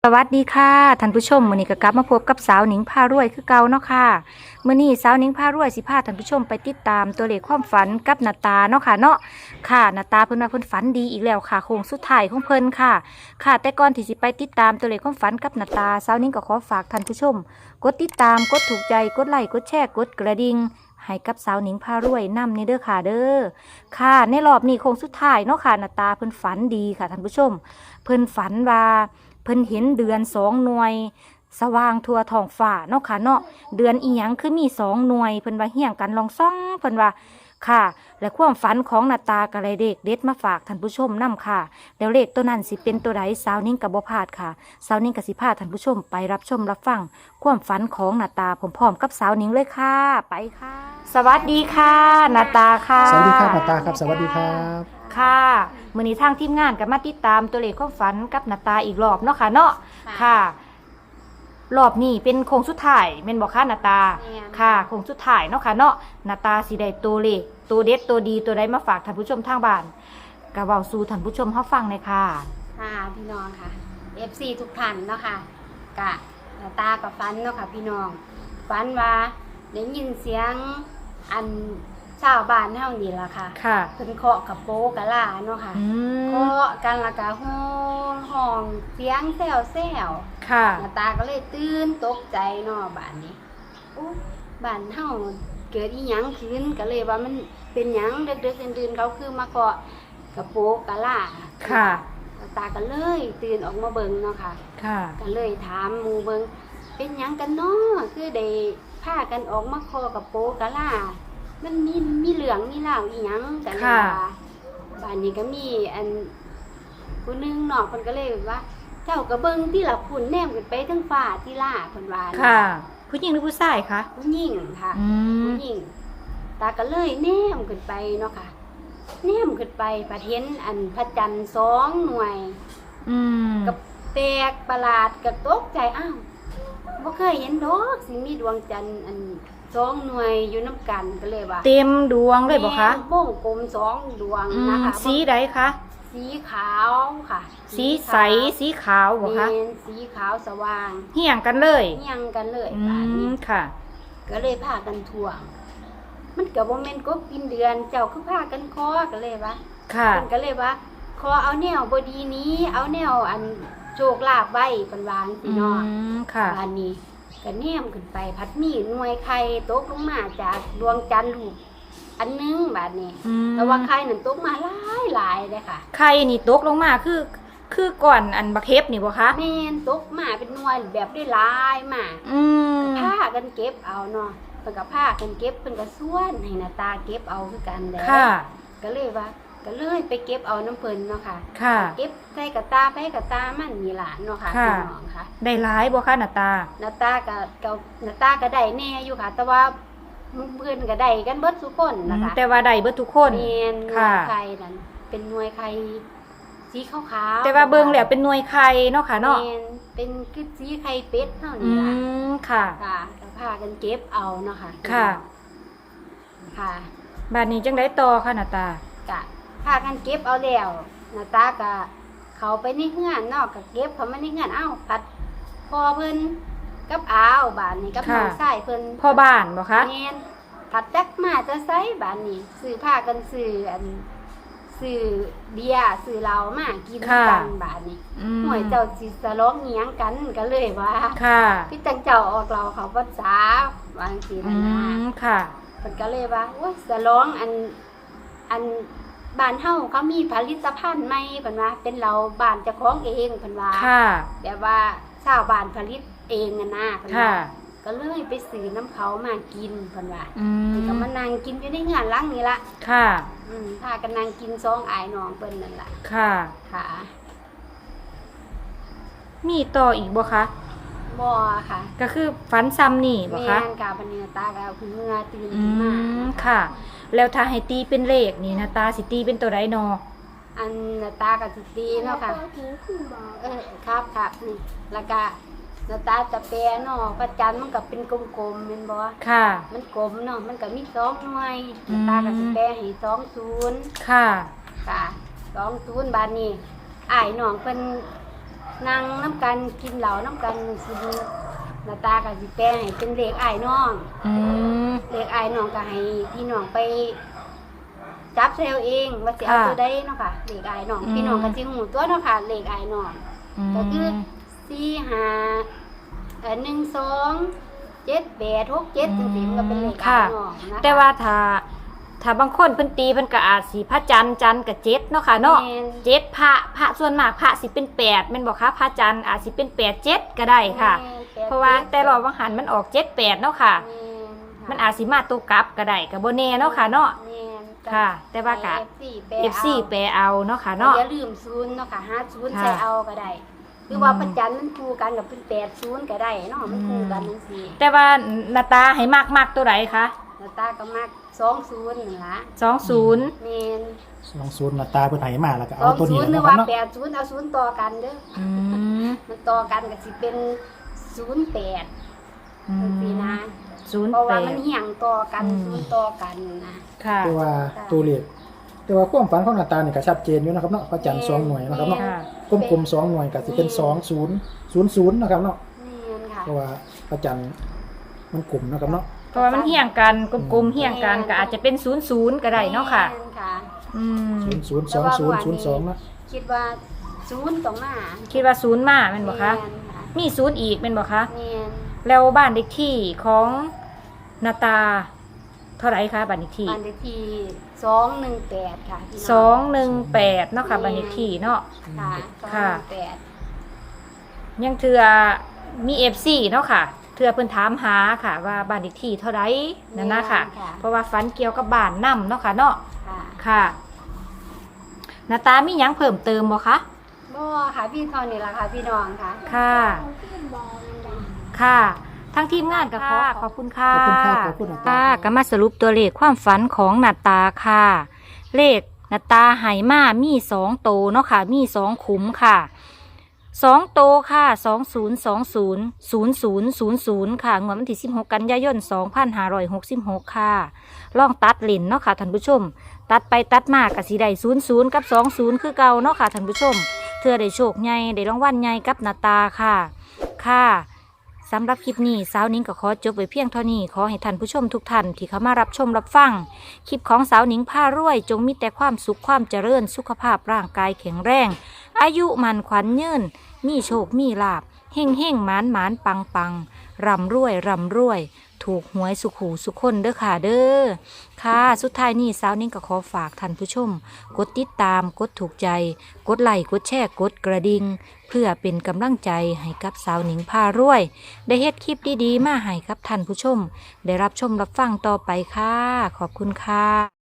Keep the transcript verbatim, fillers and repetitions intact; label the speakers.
Speaker 1: สวัสดีค่ะท่านผู้ชมมื้อนี้ก็กลับมาพบกับสาวหนิงพารวยคือเก่าเนาะค่ะมื้อนี้สาวหนิงพารวยสิพาท่านผู้ชมไปติดตามตัวเลขความฝันกับนาตาเนาะค่ะเนาะค่ะนาตาเพิ่นว่าเพิ่นฝันดีอีกแล้วค่ะโค้งสุดท้ายของเพิ่นค่ะค่ะแต่ก่อนที่สิไปติดตามตัวเลขความฝันกับนาตาสาวหนิงก็ขอฝากท่านผู้ชมกดติดตามกดถูกใจกดไลค์กดแชร์กดกระดิ่งให้กับสาวหนิงพารวยนำในเด้อค่ะเด้อค่ะในรอบนี้โค้งสุดท้ายเนาะค่ะนาตาเพิ่นฝันดีค่ะท่านผู้ชมเพิ่นฝันว่าเพิ่นเห็นเดือนสองหน่วยสว่างทั่วท้องฟ้าเนาะค่ะเนาะเดือนอีหยังคือมีสองหน่วยเพิ่นว่าเฮี้ยงกันลองซ่องเพิ่นว่าค่ะและความฝันของนาตากะไรเด็กเด็ดมาฝากท่านผู้ชมนำค่ะแล้วเลขตัวนั้นสิเป็นตัวใดสาวนิ่งกับบ่พลาดค่ะสาวนิ่งกับสิพาท่านผู้ชมไปรับชมรับฟังความฝันของนาตาพร้อมๆกับสาวนิ่งเลยค่ะไปค่ะ สวัสดีค่ะนาตาค่ะ
Speaker 2: สวัสดีครับหมอตาครับสวัสดีครับ
Speaker 1: ค่ะมื้อนี้ทางทีมงานก็มาติดตามตัวเลขความฝันกับนาตาอีกรอบเนาะค่ะเนาะค่ะรอบนี้เป็นโค้งสุดท้ายแม่นบ่คะนาตาค่ะโค้งสุดท้ายเนาะค่ะเนาะนาตาสิได้ตัวเลขตัวเด็ดตัวดีตัวใดมาฝากท่านผู้ชมทางบ้านก็เว้าสู่ท่านผู้ชมเฮาฟังเลยค่ะ
Speaker 3: ค่ะพี่น้องค่ะ เอฟ ซี ทุกท่านเนาะค่ะกะตากับฟันเนาะค่ะพี่น้องฟันว่าได้ยินเสียงอันชาวบ้านเฮานี่ล่ะค่ะ
Speaker 1: ค่ะ
Speaker 3: เพิ่นเคาะกับโป๊กะลาเนาะค่ะ
Speaker 1: อืม
Speaker 3: เคาะกันและกะห้องห้องเสียงแซวแซว
Speaker 1: ค่ะ
Speaker 3: ตาก็เลยตื่นตกใจเนาะบ้านนี้อู้บ้านเฮาเกิดอีหยังขึ้นก็เลยว่ามันเป็นหยังดึกๆดื่นๆเขาคือมาเคาะกับโป๊กะลา
Speaker 1: ค่ะ
Speaker 3: ตาก็เลยตื่นออกมาเบิ่งเนาะค่ะ
Speaker 1: ค่ะ
Speaker 3: ก็เลยถามหมู่เบิ่งเป็นหยังกันเนาะคือได้พากันออกมาคอกับโปกะล่ามันมีมีเหลืองมีเหล่าวอีหยังกันว่าบ้านนี้ก็มีอันผู้นึงเนาะเพิ่นก็เลยว่า เจ้าก็เบิ่งที่ละพุ่นแนมขึ้นไปทั้งฟ้าที่ล่าเพิ่นว่า
Speaker 1: ค่ะ ผู้หญิงหรือผู้ชายคะ
Speaker 3: ผู้หญิงค่ะ
Speaker 1: อืม
Speaker 3: ผู้หญิงตาก็เลยแนมขึ้นไปเนาะค่ะแนมขึ้นไปประเห็นอันพระจันทร์สองหน่วย
Speaker 1: อืม
Speaker 3: กับแปลกประหลาดกับตกใจอ้าวบ่เคยเห็นดอกสิมีดวงจันทร์อันสองหน่วยอยู่น้ำกันก็เลยว่า
Speaker 1: เต็มดวงเลยบ่คะ
Speaker 3: แม่วงกลมสองดวง
Speaker 1: อื
Speaker 3: นะ
Speaker 1: ม
Speaker 3: คะ
Speaker 1: สีใดคะ
Speaker 3: สีขาวค่ะ
Speaker 1: สีใสสีขาวบ่คะ
Speaker 3: แม่นสีขาวสว่าง
Speaker 1: เหี่ยงกันเลย
Speaker 3: เฮียงกันเลย
Speaker 1: อื
Speaker 3: ป่านนี้
Speaker 1: มค่ะ
Speaker 3: ก็เลยพากันทวง มันก็บ่แม่นกบกินเดือนเจ้าคือพากันคอก็เลยว่า
Speaker 1: ค่ะ
Speaker 3: เพิ่นก็เลยว่าขอเอาแนวบดีนี้ เอาแนวอันโชคลาภไว้เพิ่นวาจัง
Speaker 1: อื
Speaker 3: ซี่เนาะ
Speaker 1: มค่ะ
Speaker 3: บ้านนี้ก็แนมขึ้นไปพัดมีหน่วยไข่ตกลงมาจากดวงจันทร์ลูกอันหนึงบาดนี้
Speaker 1: อืม
Speaker 3: แต่ว่าไข่นั่นตกมาหลายหลายเลยค่ะ
Speaker 1: ไข่นี่ตกลงมาคือ คือก่อนอันบักเห็บนี่บ่คะ
Speaker 3: แม่นตกมาเป็นหน่วยแบบได้หลายมาก
Speaker 1: อืม
Speaker 3: พากันเก็บเอาเนาะเพิ่นก็พากันเก็บเพิ่นก็ส่วนให้หน้าตาเก็บเอาคือกันแหละ
Speaker 1: ค่ะ
Speaker 3: ก็เลยว่าก็เลยไปเก็บเอาน้ำเพิ่นเนาะค่ะ
Speaker 1: ค่ะ
Speaker 3: เก็บใส่กระตาไปกระตามันนี่ล่ะเนาะค่ะ
Speaker 1: ค่ะ
Speaker 3: พี่น้องค่ะ
Speaker 1: ได้หลายบ่คะหน้าตา
Speaker 3: หน้าตาก็ก็หน้าตาก็ได้แน่อยู่ค่ะ แต่ว่าหมู่เพิ่นก็ได้กันเบิดทุกคน
Speaker 1: อื
Speaker 3: นะ
Speaker 1: ม
Speaker 3: คะ
Speaker 1: แต่ว่าได้เบิดทุกคน
Speaker 3: แม่นหน่ว
Speaker 1: ค่ะ
Speaker 3: ยไข่นั่นเป็นหน่วยไข่สีขาวๆ
Speaker 1: แต่ว่าเบิ่งแล้วเป็นหน่วยไข่เนาะค่ะเนาะ
Speaker 3: แม่นเป็นคือสีไข่เป็ดเท่า
Speaker 1: อื
Speaker 3: นี้ล่ะ
Speaker 1: มค่ะ
Speaker 3: ค่ะก็พากันเก็บเอาเนาะค่ะ
Speaker 1: ค่ะ
Speaker 3: ค่ะ
Speaker 1: บัดนี้จังได๋ต่อค่ะหน้าตา
Speaker 3: ก็พากันเก็บเอาแล้วหน้าตาก็เขาไปในเฮือนเนาะก็เก็บเขามาในเฮือนเอ้าผัดพอเพิ่นกับอ้าวบานนี้กับน้องชายเพิ่น
Speaker 1: พ่อบ้านบ่คะ
Speaker 3: แม่นผัดจักมาจะไสบานนี้ซื้อผ้ากันซื้ออันซื้อเบียร์ซื้อเหล้ามากินกันบานนี้
Speaker 1: อืม
Speaker 3: หวยเจ้าสิสร้องเหียงกันก็เลยว่า
Speaker 1: ค่ะ
Speaker 3: พี่จังเจ้าออกเราเขาภาษาวางสิ
Speaker 1: อื
Speaker 3: นะนะ
Speaker 1: มค่ะ
Speaker 3: เพิ่นก็เลยว่าโอ้ยสร้องอันอันบ้านเฮาเขามีผลิตภัณฑ์ใหม่เพิ่นว่าเป็นเราบ้านเจ้าของเองเพิ่นว่า
Speaker 1: ค่ะ
Speaker 3: แบบว่าชาวบ้านผลิตเองน่ะนะเพิ่น
Speaker 1: ค่ะ
Speaker 3: ว่าก็เลยไปซื้อน้ำเขามากินเพิ่นว่า
Speaker 1: อื
Speaker 3: เพิ่นก็
Speaker 1: ม
Speaker 3: มานั่งกินอยู่ในเฮือนหลังนี่ละ
Speaker 1: ค่ะ
Speaker 3: อืมพากันนั่งกินซองอายน้องเพิ่นนั่นล่ะ
Speaker 1: ค่ะ
Speaker 3: ค่ะ
Speaker 1: มีต่ออีกบ่คะ
Speaker 3: บ่ค่ะ
Speaker 1: ก็คือฝันซ้ำนี่บ่
Speaker 3: แม่
Speaker 1: คะ
Speaker 3: นกาบันนี้ตาก็เอาขึ้นเมื่อตื่น
Speaker 1: อื
Speaker 3: ขึ้นมาม
Speaker 1: ค่ะ แล้วถ้าให้ตีเป็นเลขนี่นะตาสิตีเป็นตัวใดนอ
Speaker 3: อันน่ะตาก็สิตีเนาะค่ะเออครับครับนี่แล้วก็น่ะตาจะแปรเนาะพระจันทร์มันก็เป็นกลมๆแม่นบ่
Speaker 1: ค่ะ
Speaker 3: มันกลมเนาะมันก็มีสองหน่วย
Speaker 1: อืม
Speaker 3: ตาก็สิแปรให้สองศูนย์
Speaker 1: ค่ะ
Speaker 3: ค่ะสองศูนย์บาทนี้อ้ายน้องเพิ่นนั่งน้ำกันกินเหล้าน้ำกันสิหน้าตาก็สิแปลให้เป็นเลขอ้ายน้อง
Speaker 1: อืม
Speaker 3: เลขอ้ายน้องก็ให้พี่น้องไปจับเซลเองว่าสิเอา
Speaker 1: ค่ะ
Speaker 3: ตัวใดเนาะค่ะเลขอ้ายน้อง
Speaker 1: อืม
Speaker 3: พี่น้องก็สิฮู้ตัวเนาะค่ะเลขอ้ายน้อง ก็คือสี่ห้าเอ่อหนึ่งสองเจ็ดแปดหกเจ็ดจังซี่มันก็เป็นเลขอ้ายน้องนะคะ
Speaker 1: แต่ว่าถ้าถ้าบางคนเพิ่นตีเพิ่นก็อาจสิพระจันทร์จันทร์กับเจ็ดเนาะค่ะเนาะ
Speaker 3: แม่น
Speaker 1: เจ็ดพระพระส่วนมากพระสิเป็นแปดแม่นบ่คะพระจันทร์อาจสิเป็นแปดเจ็ดก็ได้ค่ะ
Speaker 3: แม่นแปด
Speaker 1: เพราะว่าแต่รอบวังหันมันออกเจ็ดแปดเนาะค่ะ
Speaker 3: แม่นค่ะ
Speaker 1: มันอาจสิมาตัวกลับก็ได้ก็บ่แน่เนาะค่ะเนาะ
Speaker 3: แม่น
Speaker 1: ค่ะแต่ว่าก็
Speaker 3: เอฟซี
Speaker 1: เอฟ ซี แปลเอาเนาะค่ะเนาะ
Speaker 3: อย่าลืมศูนย์เนาะค่ะหาศูนย์
Speaker 1: ค่ะ
Speaker 3: ใส่เอาก็ได้คือว่าประจันมันคู่กันกับเป็นแปดศูนย์ก็ได้เนาะมันคู่กันจังซี่
Speaker 1: แต่ว่าหน้าตาให้มากมากตัวไหนคะ
Speaker 3: แล้วตาก็มักสองศูนย์นี่ล่ะ
Speaker 1: สองศูนย์
Speaker 3: แม่น
Speaker 2: สองศูนย์หน้าตาเพิ่นให้มาแล้วก็
Speaker 3: ส
Speaker 2: เอา
Speaker 3: อง
Speaker 2: ตัว
Speaker 3: ศู
Speaker 2: นี้
Speaker 3: นย์หรื
Speaker 2: นะ
Speaker 3: อ
Speaker 2: ครั
Speaker 3: ว่า
Speaker 2: บเนาะ
Speaker 3: แปดศูนย์เอาศูนย์ต่อกันเด้อ
Speaker 1: อืม
Speaker 3: มันต่อกันก็สิเป็นศูนย์แปด
Speaker 1: อื
Speaker 3: จังซี่
Speaker 1: ม
Speaker 3: นะ
Speaker 1: ศูนย์
Speaker 3: เพราะ
Speaker 1: แป
Speaker 3: ว่า
Speaker 1: ด
Speaker 3: มันเหี่ยงต่อกัน
Speaker 1: อืม
Speaker 3: ศูนย์ต่อกันนะ
Speaker 1: ค่ะ
Speaker 2: แต่ว่าตัวเลขแต่ว่าความฝันของหน้าตานี่ก็ชัดเจนอยู่นะครับเนาะพระจันทร์สองหน่วยนะครับเนาะ
Speaker 1: ค่ะ
Speaker 2: กลมๆสองหน่วยก็สิเป็นสองศูนย์ศูนย์ศูนย์นะครับเนาะ
Speaker 3: แม่นค่ะ
Speaker 2: เพราะว่าพระจันทร์มันกลมนะครับเนาะ
Speaker 1: เพราะว่ามันเหี่ยงกันกลมๆเหี่ยงกันก็อาจจะเป็นศูนย์ศูนย์ก็ได้เนาะค่ะ
Speaker 3: แม่นค่ะ
Speaker 1: อืม
Speaker 2: ศูนย์ศูนย์สองศูนย์ศูนย์สองนะ
Speaker 3: คิดว่าศูนย์ต้องมา
Speaker 1: คิดว่าศูนย์มาแม่นบ่คะ
Speaker 3: แม่นค่ะ
Speaker 1: มีศูนย์อีกแม่นบ่คะ
Speaker 3: แม่น
Speaker 1: แล้วบ้านเลขที่ของนาตา เท่าไหร่คะบ้านเลขที่
Speaker 3: บ้านเลขที่สองหนึ่งแปดค่ะพี่น้
Speaker 1: สองหนึ่งแปดเนาะค่ะบ้านเลขที่เนาะ
Speaker 3: ค่ะสอง
Speaker 1: ค่ะ
Speaker 3: หนึ่งแปด
Speaker 1: ยังเถื่อมี เอฟ ซี เนาะค่ะเถื่อเพิ่นถามหาค่ะ ว่าบ้านเลขที่เท่าไหร่นั่นนะค่ะ เพราะว่าฝันเกี่ยวกับบ้านนำเนาะค่ะเนาะ
Speaker 3: ค่ะ
Speaker 1: ค่ะนาตามีหยังเพิ่มเติมบ่คะ
Speaker 3: บ่ค่ะพี่เท่านี้ล่ะค่ะพี่น้องค่ะ
Speaker 1: ค่ะ ค่ะทั้งทีมงานกับขอขอบคุณค่ะ
Speaker 2: ขอบคุณครับขอบคุณหน้าตา
Speaker 1: ค่ะก็มาสรุปตัวเลขความฝันของนาตาค่ะ เลขนาตาไหมามีสองโตวเนาะค่ะ มีสองขุมค่ะสองโตวค่ะสองศูนย์สองศูนย์ศูนย์ศูนย์ศูนย์ศูนย์ค่ะงวดวันที่สิบหกกันยายนสองพันห้าร้อยหกสิบหกค่ะลองตัดเลนเนาะค่ะท่านผู้ชม ตัดไปตัดมากกับสีได้ศูนย์ศูนย์กับสองศูนย์คือเก่าเนาะค่ะท่านผู้ชมเธอได้โชคใหญ่ได้รางวัลใหญ่กับนาตาค่ะค่ะสำหรับคลิปนี้สาวนิ้งก็ขอจบไว้เพียงเท่านี้ขอให้ท่านผู้ชมทุกท่านที่เข้ามารับชมรับฟังคลิปของสาวนิ้งผ้ารวย จงมีแต่ความสุขความเจริญสุขภาพร่างกายแข็งแรง อายุมันขวัญยืนมีโชคมีลาบเฮ่งเฮ่งหมานหมานปังปังร่ำรวยร่ำรวย ถูกหวยสุขหูสุขคนเด้อค่ะเด้อค่ะสุดท้ายนี้สาวนิ้งก็ขอฝากท่านผู้ชม กดติดตามกดถูกใจ กดไลค์กดแชร์กดกระดิ่งเพื่อเป็นกำลังใจให้กับสาวหนิงพารวย ได้เฮ็ดคลิปดีๆมาให้กับท่านผู้ชม ได้รับชมรับฟังต่อไปค่ะ ขอบคุณค่ะ